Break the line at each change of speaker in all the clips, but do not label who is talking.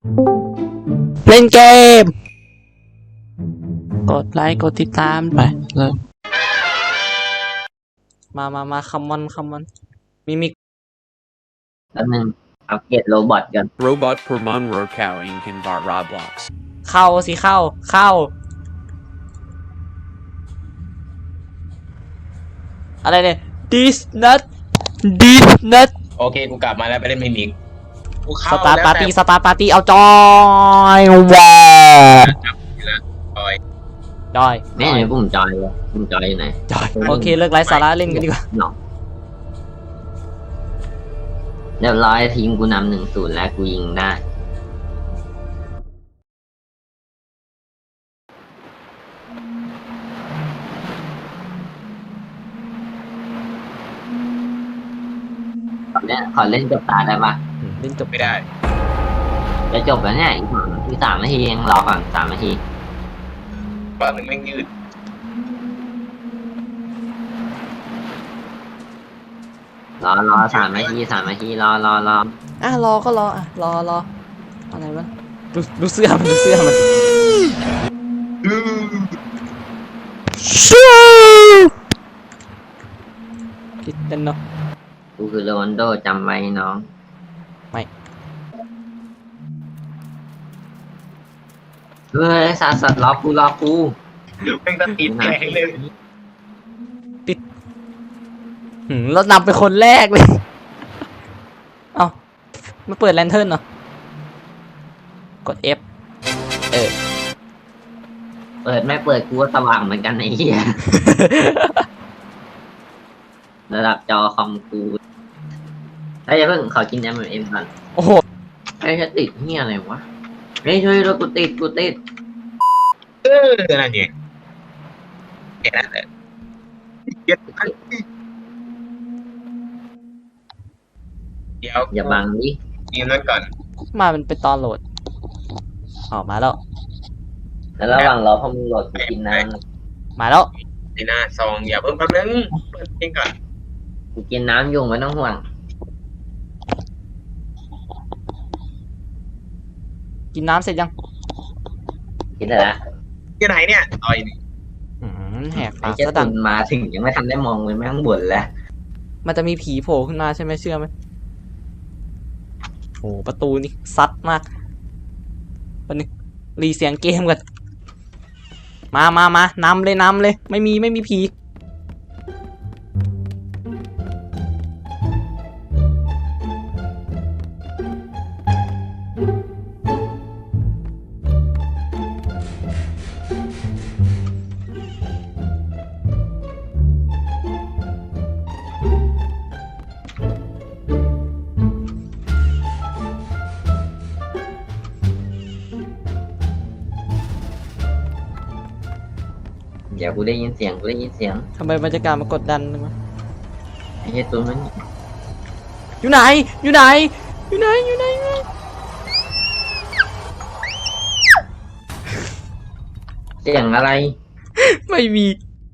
เล่นเกมกดไลค์กดติดตามไปเลยมาคัมมอนมี
แล้วนึงอัปเกรดโรบอทกัน
Robot per Monroe cowing in Bar Roblox.
เข้าสิเข้าอะไรเนี่ย this nut
โอเคกูกลับมาแล้วไปเล่นมิมิกกูเข้า
สตาร์
แล้ว
ปาร์ตี้เอาจอยว้า จอย
ไม่ไหนปุ่มจอยเลยปุ่มจอยอยู่ไหน
โอเคเลิกไลฟ์สาระเล่นกันดีกว่า
หนอกเรียบร้อยทีมกูนำ1-0แล้วกูยิงได้ขอเล่นจบตาได้ปะ
เล่นจบ
ไม่ได้
จะจบแล้วเนี่ยอีก3 นาทีเองรอก่อน3 นาที
บางนึงไม่ยืด
รอ3 นาทีรอ
อ่ะรอก็รออ่ะรออะไรวะดูเสื้อมันคิดเต้นเนาะ
กูคือโรนลโดจำไว้น้อง
ไม่
เฮ้ยสัตว์รอกู
แม่งก็ติดแข็งเลย
เรานำเป็นคนแรกเลย เอามาเปิดแลนเทิร์นเนาะกด F
เปิดไม่เปิดกูก็สว่างเหมือนกันไอ้เหี้ย ระดับจอคอมกูเฮ้ยอย่าเพิ่งขอกินM&Mก่อน
โอ้โห
ไอ้จะติดเหี้ยอะไรวะเฮ้ยช่วยด้วยกูติด
นั่นไงแค่นั้นแหละเดี๋ยว
อย่าบังดิ
ทีมนั้นก่อน
มามันเป็นตอนโหลดออกมาแล้ว
แล้วระหว่างรอพอมึงโหลดกูกินน้
มาแล้ว
ดีน่าซองอย่าเพิ่มแป๊บนึงเปิดเพลงก่อน
ำกูกินน้ำอยู่ไม่ต้องห่วง
กินน้ำเสร็จยัง
กินได้ละ
ที่ไหนเนี่ยต่อยนี่
แหก
ไอ้
ปาก
เจ้า
ซะ
ตุ
ดัง
นมาถึงยังไม่ทันได้มองเลยแม่งบ่นแล้ว
มันจะมีผีโผล่ขึ้นมาใช่ไหมเชื่อไหมโอ้ประตูนี่ซัดมากวันนี้รีเสียงเกมกันมานำเลยไม่มีผี
เดี๋ยวกูได้ยินเสียง
ทำไมบรรยากาศมากดดันเลยวะ
ไอ้เจ้าตุนมัน
อยู่ไหน
เสียงอะไร
ไม่มี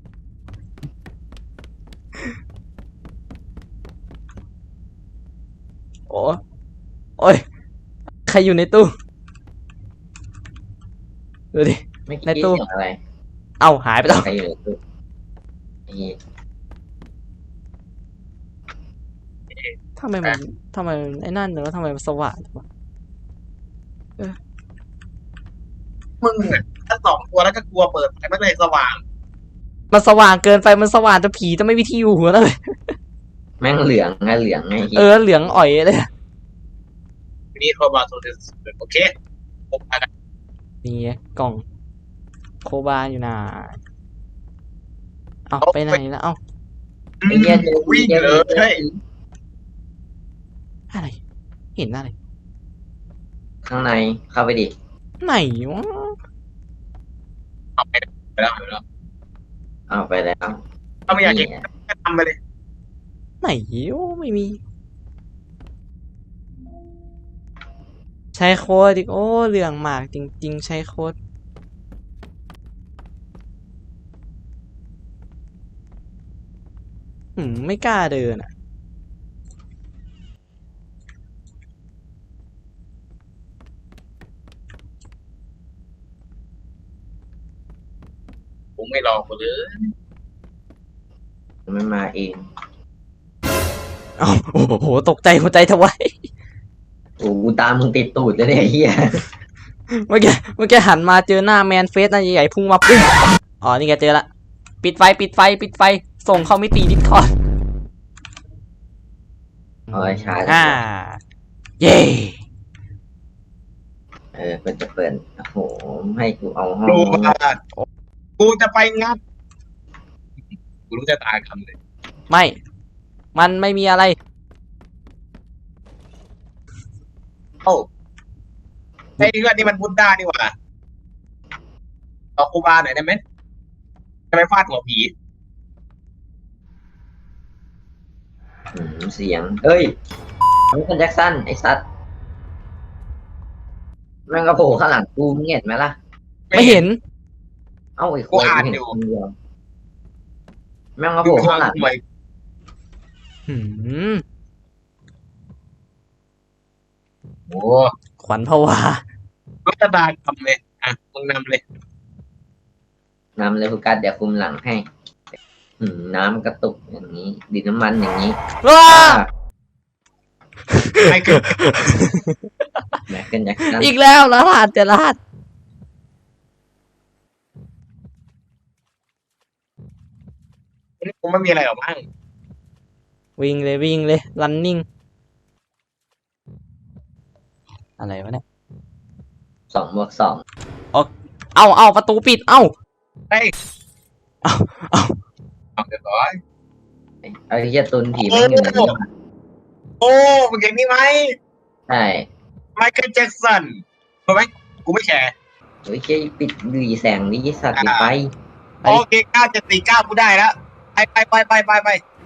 โอ้ยใครอยู่ในตู้ดูดิ
ไม่คิด
ในตู้
เสียงอะไร
เอ้าหายไปแล้ว
ใครอยู่ในตู้ไอ้เหี้ย
ทำไมไอ้นั่นเนอะทำไมมันสว่างจังวะ
มึงอ่ะถ้า2 ตัวแล้วก็กลัวเปิดไฟมันเลยสว่าง
มันสว่างเกินไปมันสว่างจะผีจะไม่มีที่อยู่หัวแล้วเลย
แม่งเหลืองไงเหี้ย
เหลืองอ่อยเลย
นี่โทรมาโทรศัพท์โอเคผมไปกัน
นี่ไงกล่องโคบาอยู่น่ะเอาไปไหนแล้วเอา
ไอ้เหี้ยเจอ
วิ่งเลย
อะไรเห็นอะไร
ข้างในเข้าไปดิ
ไหนวะ
เอาไปแล้ว
เอาไปแล้ว
ถ้าไม่อยากเก็บก็ทำไปเลย
ไหนวะไม่มี ใช้โค้ดอีกโอ้เหลืองหมากจริงๆใช้โค้ดไม่กล้าเดินอ่ะ
ไม่รอกูเลย
มันมาเอง
เอ้าโอ้โหตกใจหัวใจทวาย
โอ้กูตามมึงติดตูดเลยเนี่ยไอ้เหี้ย
เมื่อกี้หันมาเจอหน้าแมนเฟสน่าใหญ่ๆพุ่งมาปุ๊บอ๋อนี่แกเจอละปิดไฟส่งเข้ามิติดิสคอร์ด
เอาไว้ชาร์จ
เย่
มันจะเปิดโอ้โหให้กูเอาห้อง
กูมากูจะไปงัดกูรู้จะตายคำเลย
ไม่มันไม่มีอะไร
โอ้ไอ้เรื่องนี้มันบุดด้านี่หว่าเอาครูบาหน่อยได้ไหมจะไปฟาดหัวผี
เสียงเอ้ยมันเป็นแจ็คสันไอ้สัตว์แม่งกระโผล่ข้างหลังกูมึงเห็นไหมล่ะ
ไม่เห็น
เอ้าไอ้ควายกูเห็นคนเดียวแม่งกระโผล่ข้างหลัง
หืม
โอ้
ขวัญผวา
รู้จะตายคำเลยอ่ะมึงนำเลย
นำเลยโฟกัสเดี๋ยวคุมหลังให้น้ำกระตุกอย่างนี้ดินน้ำมันอย่างนี้
ว้า
ไม่คือ
แม็กเกิลแจ็คสัน
อีกแล้วรหัสแต่รหัส
กูไม่มีอะไรหรอกมั้ง
วิ่งเลย running อะไรวะเนี่ย
2+2
เอาประตูปิด เอ้า
เฮ้ย
เอา
เอาเรียบร้อย
ไอ้เหี้ยตุนผีมันอยู่ในนี้
โอ้มึงเห็นนี่ไหม
ใช่
ไมเคิลแจ็คสันรู้ไหมกูไม่แชร์
โอ้ยเจ๊ปิดดูแสงนี้สัตว์ปิดไฟ
ไป
โอเค9749กูได้แล้วไป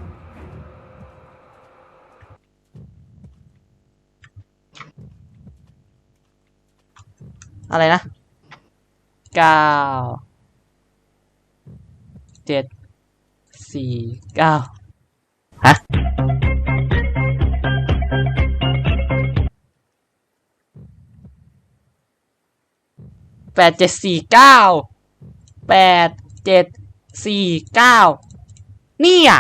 อะไรนะ 9 7 4 9 ฮะ 8749นี่อ่ะ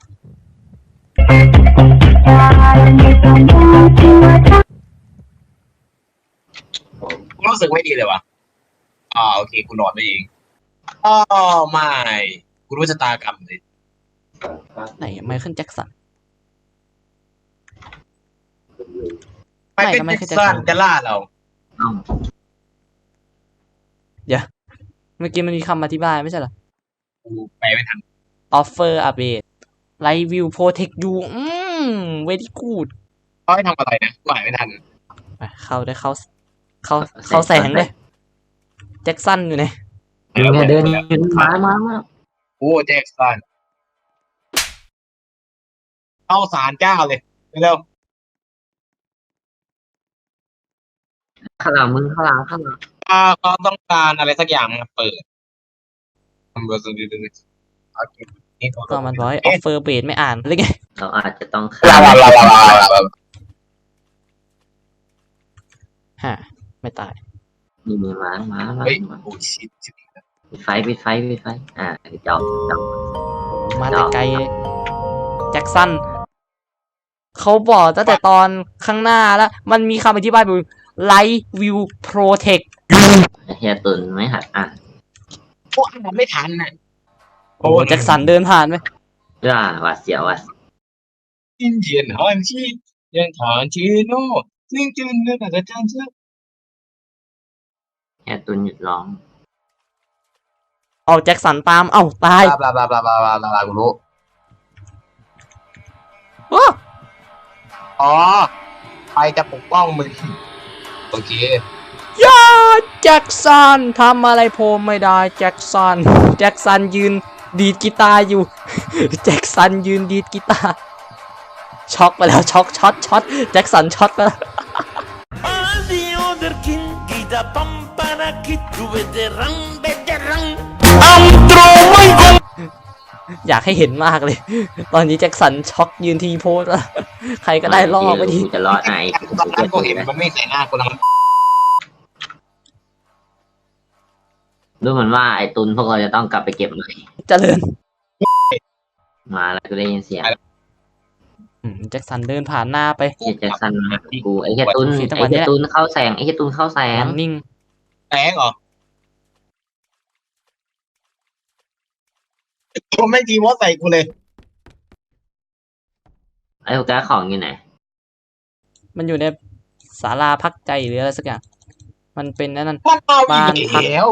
กูรู้สึกไม่ดีเลยว่ะโอเคกูนอนไปเองอ๋อไม่กูรู้ชะตากรรมเลย
ไหนไมเคิลแจ็คสัน
ไมเคิล
ไม่
แจ็ค
ก็
สัน
ไม่
จะล่าเรา
เอ้า
เมื่อกี้มันมีคำอธิบายไม่ใช่เหรอ
กูไปไม่ทัน
offer update light view protect you very good
เขาให้ทำอะไรนะกูไปไม่ทัน
ไปเข้าแสงเลยแจ็คสันอยู่ไหน
เนี่ยเดินมา
โอ้แจ็คสันเข้าศาลเจ้าเลยเร็ว
ข้างหลังมึงข้างหลัง
เขาต้องการอะไรสักอย่างมาเปิดทำเบอร์สุดดีเลยโอเคนี่
ก็มันบอกให้ offer update ไม่อ่านหรือไง
เราอาจจะต้อง
ลา
ข้าม
ลาลาลาลา
ฮะ ไม่ตาย
มีมา
เฮ้ยโอ้ชิด
ปิดไฟจอบ
มาแต่ไกลเลยแจ็คสันเขาบอกตั้งแต่ตอนข้างหน้าแล้ว มันมีคำอธิบายอยู่ light view protect
เฮียตุนไม่หัดอ่าน
พวกอ่านไม่ทันน่ะ
โอ้แจ็คสันเดินผ่านไหม
หวาดเสียวว่ะ
อินเดียนฮันชียังถอนชีโน่ซึ่งจืนเนื้อแต่จานเชื่อ
เฮียตุนหยุดร้อง
เอาแจ็คสันตาม เอ้าตาย
บลาบลาบลาบลาบลาบลากูรู้
อ้อ
อ๋อใครจะปกป้องมึงโอเค
ย่าแจ็คสันทำอะไรผมไม่ได้แจ็คสันยืนดีดกีตาร์อยู่ แจ็คสันยืนดีดกีตาร์ช็อกไปแล้วช็อตแจ็คสันช็อตไปแล้ว
All the other king gida pampana kitu veteran veteran
อยากให้เห็นมากเลย ตอนนี้แจ็คสันช็อกยืนทีโพสแล้วใครก็ได้ล่อไปที
จะรอดไง
ตอนนั้นกูเห็นมันไม่ใส่หน้ากูแล้ว
ดูเหมือนว่าไอ้ตุนพวกเราจะต้องกลับไปเก็บใหม่
เจริญ
มาแล้วกูได้ยินเสียง
แจ็คสันเดินผ่านหน้าไป
เฮียแจ็คสันมากูไอ้เฮียตุน
โอเคจังห
ไอ้
วะนี้
เฮีย
แหละ
ตุนเข้าแสงไอ้เฮียตุนเข้าแสง
วางนิ่ง
แสงเหรอผมไม่ดีว่าใส่กูเลย
ไอ้พวกแกของอยู่ไหน
มันอยู่ในศาลาพักใจหรืออะไรสักอย่าง มันเป็นนั่น
มันเอา
บ้าน
อีก
พัก
แล้ว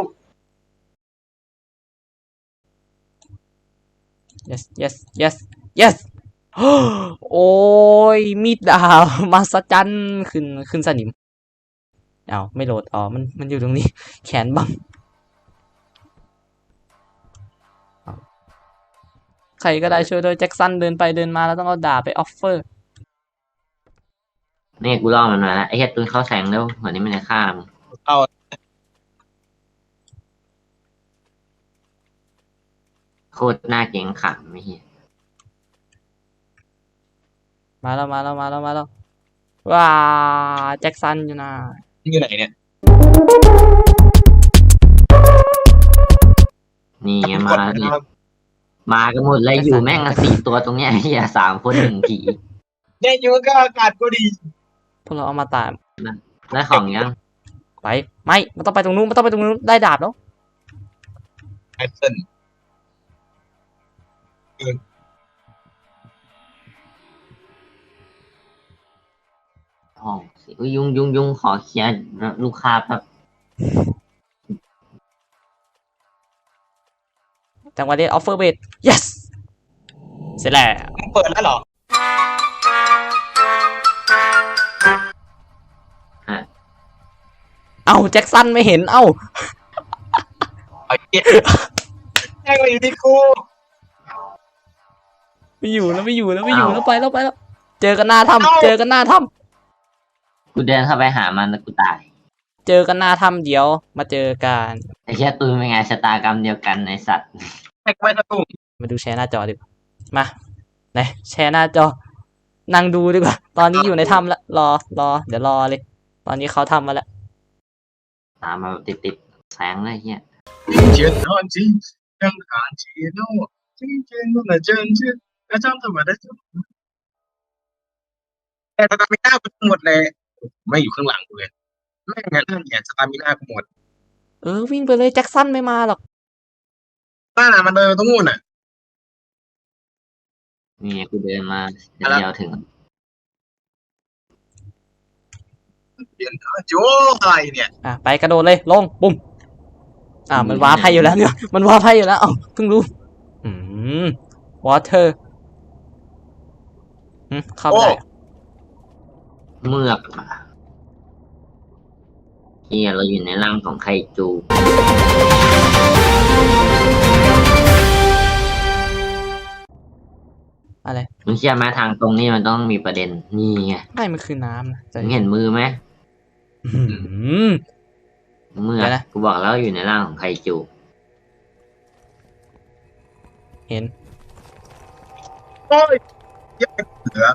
yes yes yes yes โอ้ยมีดดาบมาสจันขึ้นสนิมเอาไม่โหลดอ๋อมันอยู่ตรงนี้ แขนบังใครก็ได้ช่วยด้วยแจ็คสันเดินไปเดินมาแล้วต้องเอาดาบไปออฟเฟอร์
นี่กูล่อมันมาแล้วไอ้เฮียตุนเข้าแสงแล้วเหมือนนี้มันจะฆ่ามึง
เอา
โคตรน่าเกรงขามไม่เฮีย
มาแล้วว้าแจ็คสันอยู่นะ
อยู่ไหนเนี่ย
นี่ไงมาแล้วนี่มากันหมดเลยอยู่แม่งกัน4 ตัวตรงเนี้ยไอ้เฮีย3 คน1 ผี
เนี่ยอยู่ก็อากาศก็ดี
พวกเราเอามาตาม
ได้ของยัง
ไปไม่มันต้องไปตรงนู้นได้ดาบแล้ว
ไอเซน
ห้องสิอุ๊ยยุงขอเคลียร์ลูกค้าแบบ
จังหวะนี้ออฟเฟอร์เบด yes เสร็จแล้ว
มึงเปิดแล้วเหรอ
เอ้าแจ็คสันไม่เห็นเอ้า
ไอ้เหี้ยแม่งมาอยู่ที่กู
ไม่อยู่แล้วไปแล้ว เจอกันหน้าถ้ำ
กูเดินเข้าไปหามันแล้วกูตาย
เจอกันหน้าถ้ำเดี๋ยวมาเจอกัน
ไอ้เชี่ยตุนเป็นไงชะตากรรมเดียวกันในสัตว์
แม่งไม่สตุ้ง
มาดูแชร์หน้าจอดีกว่ามาไหนแชร์หน้าจอ นั่งดูดีกว่า ตอนนี้อยู่ในถ้ำแล้วรอเดี๋ยวรอเลย ตอนนี้เขาทำมาแล้ว
ตามมาแบบติดแสงเลยเฮีย
เชียร์นอนจริงยังขานเชียร์โน่จริงจริงนู่นน่ะเจนชื่อแล้วจำทำไมได้จุดแต่สตามิน่ากูหมดเลยไม่อยู่ข้างหลังกูเลยแม่งงั้นเนี่ยสตามิน่ากูหมด
วิ่งไปเลยแจ็คสันไม่มาหรอก
บ้านมันเดินตรงนู้นน่ะ
นี่ไงกูเดินมาเดียวถึง
เปลี่ยนโจ้อะไรเนี่ย
ไปกระโดดเลยลงปุ่มมันว้าร์ปให้อยู่แล้วเนี่ยมันว้าร์ปให้อยู่แล้วเพิ่งรู้วอเตอร์เข้าไปได้
เมือกเฮียเราอยู่ในร่างของไคจู
อะไร
มึงเชื่อไหมทางตรงนี้มันต้องมีประเด็นนี่ไง
ไม่มันคือน้ำนะ
มึงเห็นมือไหม เมือก
เดี๋ยวนะ
กูบอกแล้วอยู่ในร่างของไคจู
เห็น
โอ้ยเยอะเหลือ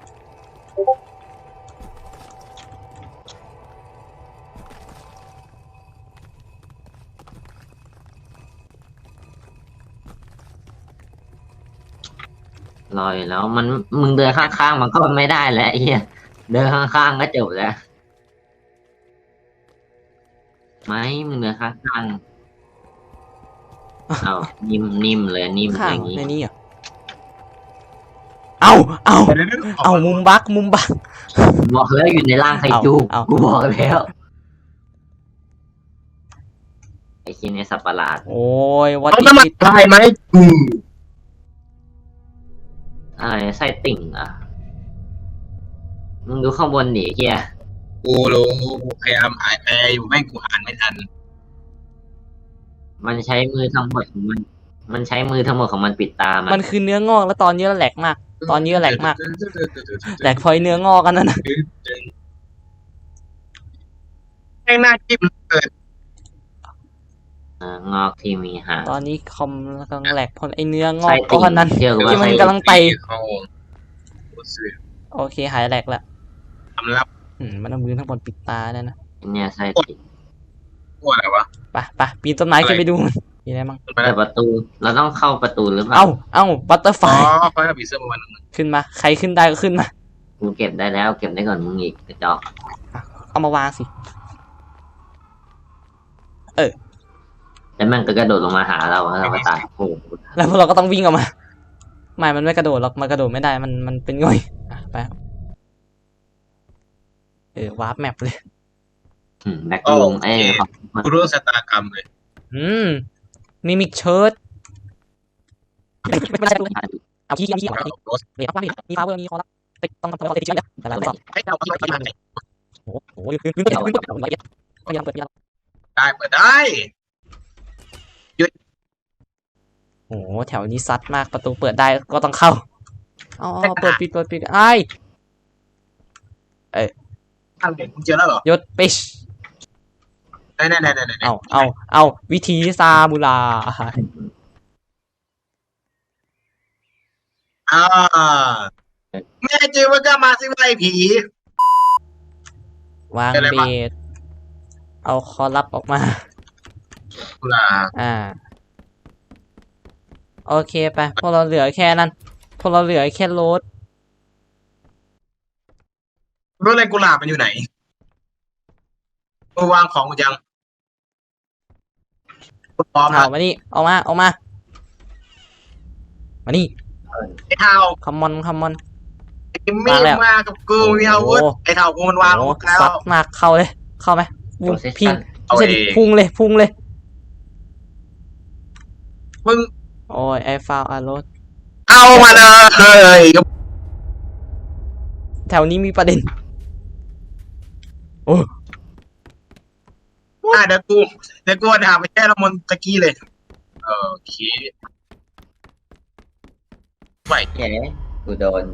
รออยู่แล้วมันมึงเดินข้างๆมันก็ไม่ได้แล้วไอ้เฮียเดินข้างๆก็จบแล้วไม่มึงเดินข้างๆเอานิ่มเลยนิ่ม
ข้า
อง ย่างนี้
ในนี้เหรอเอามุมบัก
บอกแล้วอยู่ในร่างไคจู
เอา
กูบอกแล้วไอ้ชิ้นไอ้สัตว์ประหลาด
โอ้ยวัด
เขาจะมาทายไหมกู
อะไรไส้ติ่งอ่ะมึงดูข้างบนดิเฮีย
กูรู้กูพยายามหายแปลอยู่แม่งกูอ่านไม่ทัน
มันใช้มือทั้งหมดของมัน มันใช้มือทั้งหมดของมันปิดตา
มันคือเนื้องอกแล้วตอนนี้แหลกมาก ตอนนี้แหลกมาก แหลกพอยเนื้องอกกันนั่นนะ
แม่งหน้าจิ้มเกิด
งอกที่มีหาง
ตอนนี้คอมกำลังแหลกเพราะไอเนื้องอ
ไส้
ก
ติ่ง
ก้อนนั้น
เชื่อกูว่า
ที่มัน
ไส้
กำลังไต
เขาซื้อ
โอเคหายแหลกละ
ทำรับ
มันเอามือทั้งบนปิดตาได้นะ
เนี่ยไส้ติ่ง
พวกอะไรวะ
ไปปีนต้นไม้ขึ้นไปดูมันมีอะไรบ้าง
แต่ประตูเราต้องเข้าประตูหรือเปล่า
เอ้าบัตเตอร์ไฟ
อ๋อเขาให้ผีเสื้อมาวันนึง
ขึ้นมาใครขึ้นได้ก็ขึ้นมา
กูเก็บได้แล้วเก็บได้ก่อนมึงอีกกระจอก
เอามาวางสิ
แล้วมันก็กระโดดลงมาหาเราแล้วเราก็ตายโอ้โห
แล้วพวกเราก็ต้องวิ่งออกมาไม่มันไม่กระโดดหรอกมันกระโดดไม่ได้มันเป็นง่อยไปวาร์ปแมปเลย
แบ็คลง
กูรู้ชะตากรรมเลย
มิมิกเชิร์ตไม่เป็นไรเอาขี้เนี่ยครับว่ามีฟาเวอร์มีคอรับต้องทำตัวติดเชื้อนะแต่ละรอบ
ให้เราไปทำไม
โอ้โหขึ้นพยายามเปิดพยายาม
ได้เปิดได้
โอ้โหแถวนี้ซัดมากประตูเปิดได้ก็ต้องเข้าอ๋อเปิดปิดไอ้
ทางเด็กมึงเจอแล้วเหรอย
ศปิช
ไหน
เอาวิธีซาบูรา
แม่จริงมันก็มาสิไอ้ผี
วางเบสเอาคอลับออกมา
กุลา
โอเคไปพวกเราเหลือแค่นั้นพวกเราเหลือแค่โรถ
รู้อะไรกุหลาบมันอยู่ไหนวางของกูยังพร้อม
เอามานี่ออกมานี่
ไอ้เท้า
คัมมอน
มีมากับกูมีอาวุธไอ้เท้ากูมันวางแล้ว
ซัดมากเข้าเลยเข้าไหมพิง
เอา
ไม่
เอ
ใช่
ง
พุ่งเลย
มึง
โอ้ยไอฟาวอารถ
เอามาเลย
แถวนี้มีประเด็นโอ้
เดี๋ยวกูหาไปแก้ละมนตะกี้เลยโอเคไป
แกกูโดน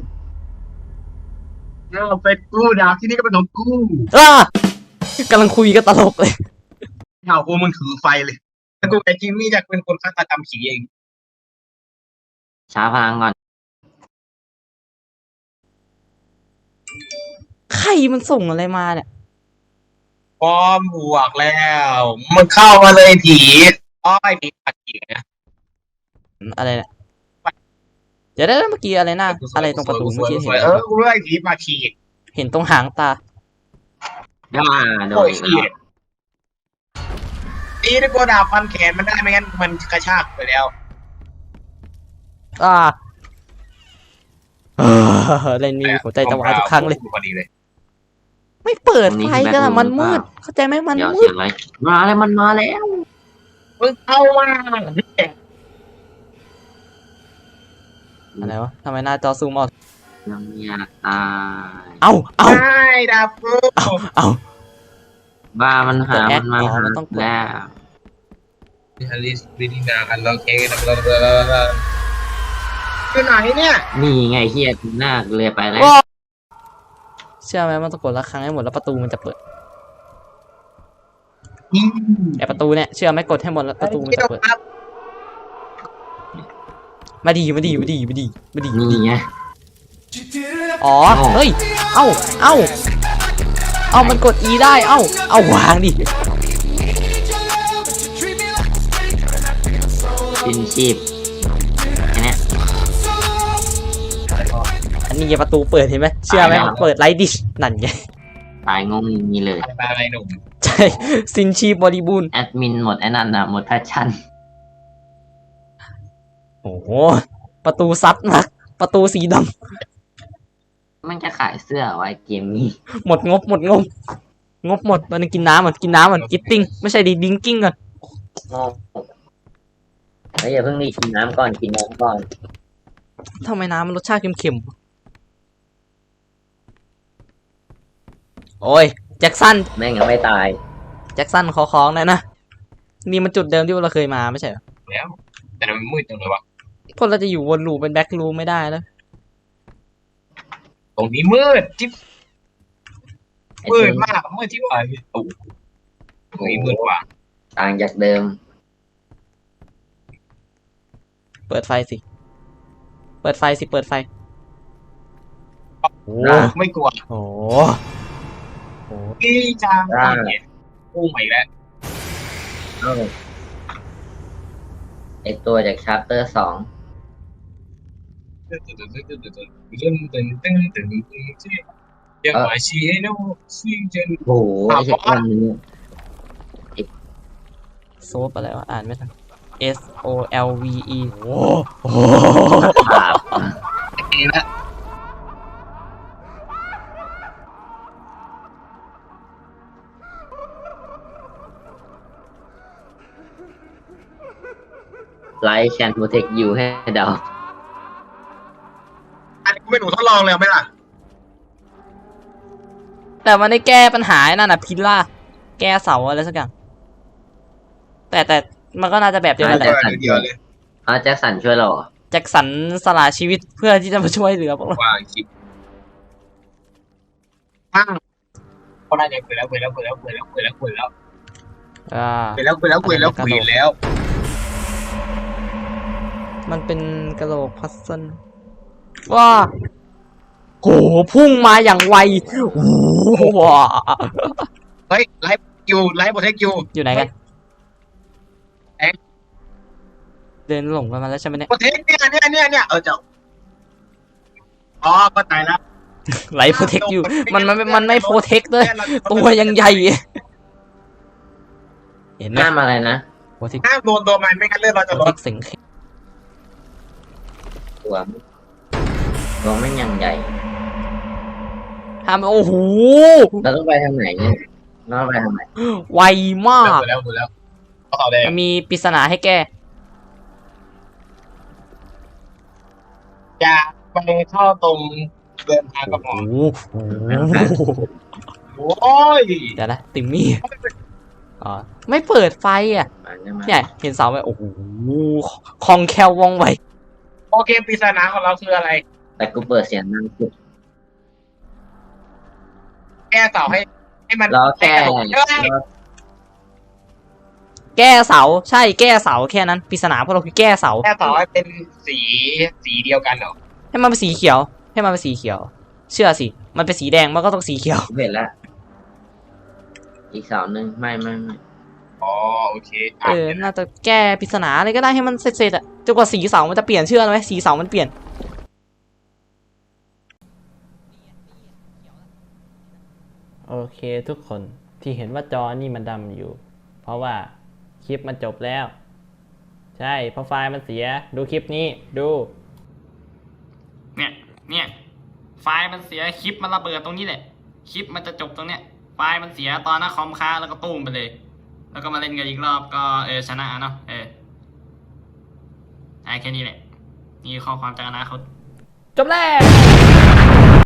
เอาไปกูดาวที่นี่ก็เป็นของกู
กำลังคุยกันตลกเลย
เท้ากูมึงถือไฟเลยแล้วกูไอ้จิมมี่จะเป็นคนฆาตกรรมผีเอง
ช้าพลังก่อน
ใครมันส่งอะไรมาเนี่ย
พร้อมบวกแล้วมึงเข้ามาเลยผีอ้อยผีปักผีนะ
อะไรเนี่ยเดี๋ยวได้เมื่อกี้อะไรนะอะไรตรงประตูเมื่อกี้เห็น
กูเลื่อยผีปักผี
เห็นตรงหางตา
ย่าโด
โอ้
น
ยเหี้ยตีได้กูดาบฟันแขนมันได้ไม่งั้นมันกระชากไปแล้ว
เล่นมีหัวใจจะวายทุกครั้งเลย
พอดีเลย
ไม่เปิดไฟกันอะมันมืด เข้าใจไหมมัน
เดี๋ยว
มื
เสี
ด
ยงอะไรมาแล้วมันมาแล้ว
มึงเข้ามา
อะไรวะทำไมหน้าจอซูมออก
ยังอยากตาย
เอา
ได้ดาบกู
บ้ามันหามันมาหา
มันต้องกด
แล้ว
ฮาริสวิดีนาอันล็อกเองคือไหนเนี่ย
นี่ไงเฮียหน้าเลยไปแล้ว
เชื่อไหมมันต้องกดละครั้งให้หมดแล้วประตูมันจะเปิดแต่ประตูเนี่ยเชื่อไหมกดให้หมดแล้วประตูมันจะเปิดมาดี
นี่ไง
อ๋อเฮ้ยเอามันกด E ได้เอาวางดิ
สิ้นชีพแค่เนี้ย
อันนี้ประตูเปิดเห็นไหมเชื่อไหมมันเปิดไลท์ดิชนั่นไง
ตายงงอย่างนี้เลย
อะไรหนุ่ม
ใช่ซินชีบริบูรณ์
แอดมินหมดไอ้นั่นนะหมดแพชชั่น
โอ้โหประตูซัดมากประตูสีด
มันจะขายเสื้อไว้เกมนี้
ำหมดงบหมดตอนนี้กินน้ำก่อนกิตติ้งไม่ใช่ดิดิ้งกิ้งก่อน
แล้วอย่าเพิ่งรีบกินน้ำก่อนกินน้ำก่อน
ทำไมน้ำมันรสชาติเค็มๆโอ้ยแจ็คสัน
แม่งยังไม่ตาย
แจ็คสันขอของหน่อยนะนี่มันจุดเดิมที่เราเคยมาไม่ใช่เหรอ
แล้วแต่มันมืดจังเลยวะ
พวกเราจะอยู่วนลูปเป็นแบ็คลูปไม่ได้แล้ว
ตรงนี้มืดจิ๊บมืดมากมืดที่ว่าโอ้ตรงนี้มืดกว่า
ต่างจากเดิม
เปิดไฟสิเปิดไฟโอ้
ไม่กลัว
โห
พี่จังเนี่ยพุ่งไปแล้ว
เอ้าไอตัวจากชาร์เตอร์สอง
ยังหวายชีให้น้องซีเจน
โอ้โหไอเช็ควันนี้
โซฟอะไรวะอ่านไม่ทัน S O L V E โอ้โห
ครับ
เองละ
ไลท์แคนโปรเทคยูให้เดา
อันนี้กูเป็นหนูทดลองเลยไหมล่ะ
แต่มันได้แก้ปัญหาไอ้นั่นน่ะพิลล่าแก้เสาอะไรสักอย่างแต่มันก็น่าจะแบบเดียวกันแหละ
เดียวเลย
อ๋อแจ็คสันช่วยเราเหรอ
แจ็คสันสละชีวิตเพื่อที่จะมาช่วยเหลือพวกเรา
วางคลิปอ้าวก็ได้เนี่ยคุยแล้ว
อ่า มันเป็นกระโหลกพัซเซิลว้าโหพุ่งมาอย่างไวโอ้โหว้า
เฮ้ยไลฟ์โปรเทคยู
อยู่ไหนกัน
เอ๊ะ
เดินหลงกันมาแล้วใช่ไหมเนี่ย
โปรเทคเนี่ยเจ้าอ๋อก็ตายแล้ว
ไลฟ์โปรเทคอยู่มันไม่โปรเทคด้วยตัวยังใหญ่เห็นไหม
ห้ามอะไรนะ
โปรเทค
ห้ามโดนตัวมันไม่งั้นเลือดเราจะ
โปร
ล
เท
ด
คสิงเข็ม
ตัวไม่ยังใหญ่
ห้ามโอ้โห
เราต้องไปทางไหนเนี่ยเราต้องไปทางไหน
ไวมาก
แล้วก็ต่อเลย
มันมีปริศนาให้แก้
อย่าไปเข้าตรงเดินทางกับหมอ
โอ้โห
โอ้ย
เดี๋ยวนะติมมี่อ๋อไม่เปิดไฟอ่ะ
มาเนี่ยมา
เนี่ยเห็นเสาไหมโอ้โหคล่องแคล่วว่องไว
โอเคปริศนาของเราคืออะไร
แต่กูเปิดเสียงดังสุด
แก้เสาให้มัน
เราแค่
แก้เสาใช่แก้เสาแค่นั้นปริศนาพวกเราคือแก้เสา
แก้เสาให้เป็นสีเดียวกันเหรอ
ให้มันเป็นสีเขียว ให้มันเป็นสีเขียว เชื่อสิมันเป็นสีแดงมันก็ต้องสีเขียว
เห็นแล้วอีกเสาหนึ่งไม่
อ๋อโอเค
น่าจะแก้ปริศนาอะไรก็ได้ให้มันเสร็จๆอ่ะจนกว่าสีเสามันจะเปลี่ยนเชื่อไหมสีเสามันเปลี่ยนโอเคทุกคนที่เห็นว่าจอนี่มันดำอยู่ เพราะว่าคลิปมันจบแล้ว ใช่เพราะไฟล์มันเสียดูคลิปนี้ดูเนี่ยไฟล์มันเสียคลิปมันระเบิดตรงนี้แหละคลิปมันจะจบตรงเนี้ยไฟล์มันเสียตอนหน้าคอมค้างแล้วก็ตุ้มไปเลย แล้วก็มาเล่นกันอีกรอบก็ชนะเนาะแค่นี้แหละนี่ข้อความจากอนาคตจบแล้ว